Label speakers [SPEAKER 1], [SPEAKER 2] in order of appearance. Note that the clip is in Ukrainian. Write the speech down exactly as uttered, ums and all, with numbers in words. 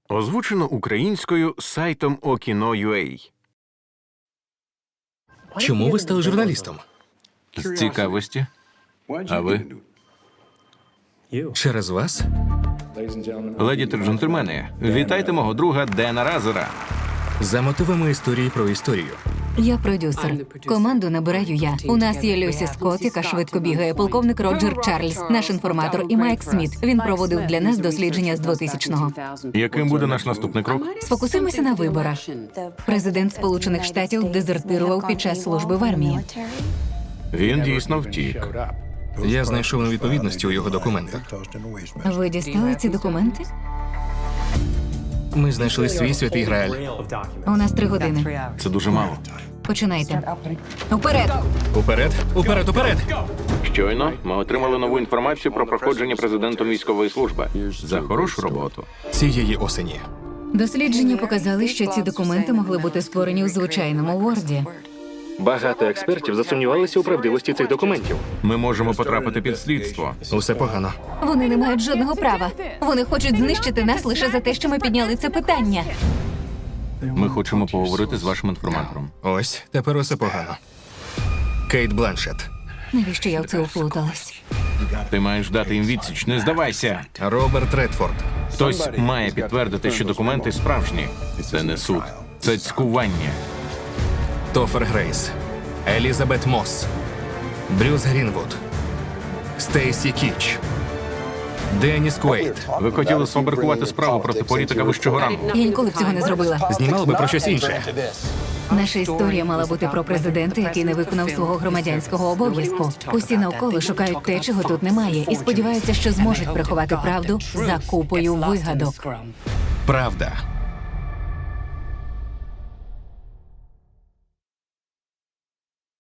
[SPEAKER 1] Озвучено українською сайтом Okino.ua.
[SPEAKER 2] Чому ви стали журналістом?
[SPEAKER 1] З цікавості. А ви?
[SPEAKER 2] Через вас?
[SPEAKER 1] Леді та джентльмени, вітайте мого друга Дена Разера.
[SPEAKER 2] За мотивами історії про історію.
[SPEAKER 3] Я продюсер. Команду набираю я. У нас є Люсі Скотт, яка швидко бігає, полковник Роджер Чарльз, наш інформатор, і Майк Сміт. Він проводив для нас дослідження з двотисячного.
[SPEAKER 1] Яким буде наш наступний крок?
[SPEAKER 3] Сфокусуємося на виборах. Президент Сполучених Штатів дезертирував під час служби в армії.
[SPEAKER 1] Він дійсно втік.
[SPEAKER 2] Я знайшов невідповідності у його документах.
[SPEAKER 3] Ви дістали ці документи?
[SPEAKER 2] Ми знайшли свій святий Грааль.
[SPEAKER 3] У нас три години.
[SPEAKER 1] Це дуже мало.
[SPEAKER 3] Починайте. Уперед!
[SPEAKER 2] Уперед, уперед, уперед!
[SPEAKER 1] Щойно ми отримали нову інформацію про проходження президентом військової служби. За хорошу роботу.
[SPEAKER 2] Цієї осені.
[SPEAKER 3] Дослідження показали, що ці документи могли бути створені у звичайному Ворді.
[SPEAKER 2] Багато експертів засумнівалися у правдивості цих документів.
[SPEAKER 1] Ми можемо потрапити під слідство.
[SPEAKER 2] Усе погано.
[SPEAKER 3] Вони не мають жодного права. Вони хочуть знищити нас лише за те, що ми підняли це питання.
[SPEAKER 1] Ми хочемо поговорити з вашим інформатором.
[SPEAKER 2] Ось, тепер усе погано. Кейт Бланшет.
[SPEAKER 3] Навіщо я в це уплуталась?
[SPEAKER 1] Ти маєш дати їм відсіч, не здавайся.
[SPEAKER 2] Роберт Редфорд.
[SPEAKER 1] Хтось має підтвердити, що документи справжні. Це не суд, це цькування.
[SPEAKER 2] Тофер Грейс. Елізабет Мосс. Брюс Грінвуд. Стейсі Кіч. Деніс Куейт.
[SPEAKER 1] Ви хотіли сфабрикувати справу проти політика вищого рангу.
[SPEAKER 3] Я ніколи б цього не зробила.
[SPEAKER 2] Знімали би про щось інше.
[SPEAKER 3] Наша історія мала бути про президента, який не виконав свого громадянського обов'язку. Усі навколо шукають те, чого тут немає, і сподіваються, що зможуть приховати правду за купою вигадок.
[SPEAKER 2] Правда.